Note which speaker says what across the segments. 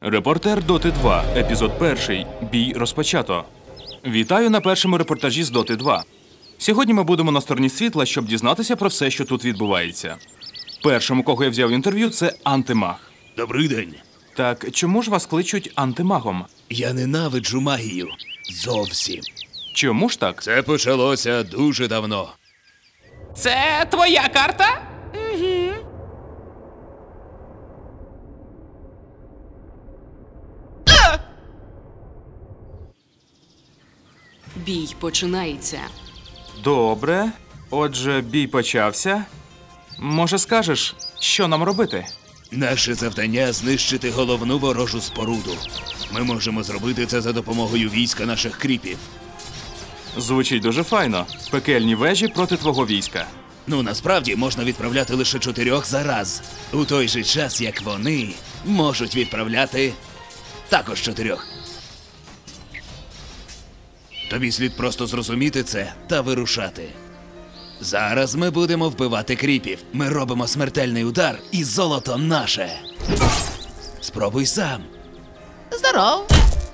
Speaker 1: Репортер Доти 2, епізод 1. Бій розпочато. Вітаю на першому репортажі з Доти 2. Сьогодні ми будемо на стороні світла, щоб дізнатися про все, що тут відбувається. Першим, у кого я взяв інтерв'ю, це антимаг.
Speaker 2: Добрий день.
Speaker 1: Так чому ж вас кличуть антимагом?
Speaker 2: Я ненавиджу магію. Зовсім.
Speaker 1: Чому ж так?
Speaker 2: Це почалося дуже давно.
Speaker 1: Це твоя карта?
Speaker 3: Бій починається.
Speaker 1: Добре. Отже, бій почався. Може, скажеш, що нам робити?
Speaker 2: Наше завдання – знищити головну ворожу споруду. Ми можемо зробити це за допомогою війська наших кріпів.
Speaker 1: Звучить дуже файно. Пекельні вежі проти твого війська.
Speaker 2: Ну, насправді, можна відправляти лише 4 за раз. У той же час, як вони можуть відправляти також 4. Тобі слід просто зрозуміти це та вирушати. Зараз ми будемо вбивати кріпів. Ми робимо смертельний удар, і золото наше. Спробуй сам.
Speaker 3: Здоров!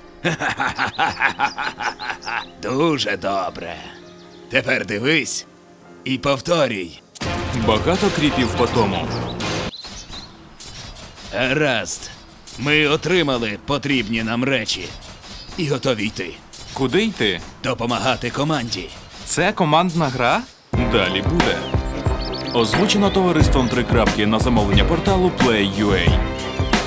Speaker 2: Дуже добре. Тепер дивись і повторюй.
Speaker 1: Багато кріпів по тому.
Speaker 2: Гаразд. Ми отримали потрібні нам речі. І готові йти.
Speaker 1: Куди йти?
Speaker 2: Допомагати команді.
Speaker 1: Це командна гра? Далі буде. Озвучено товариством 3 крапки на замовлення порталу Play.ua.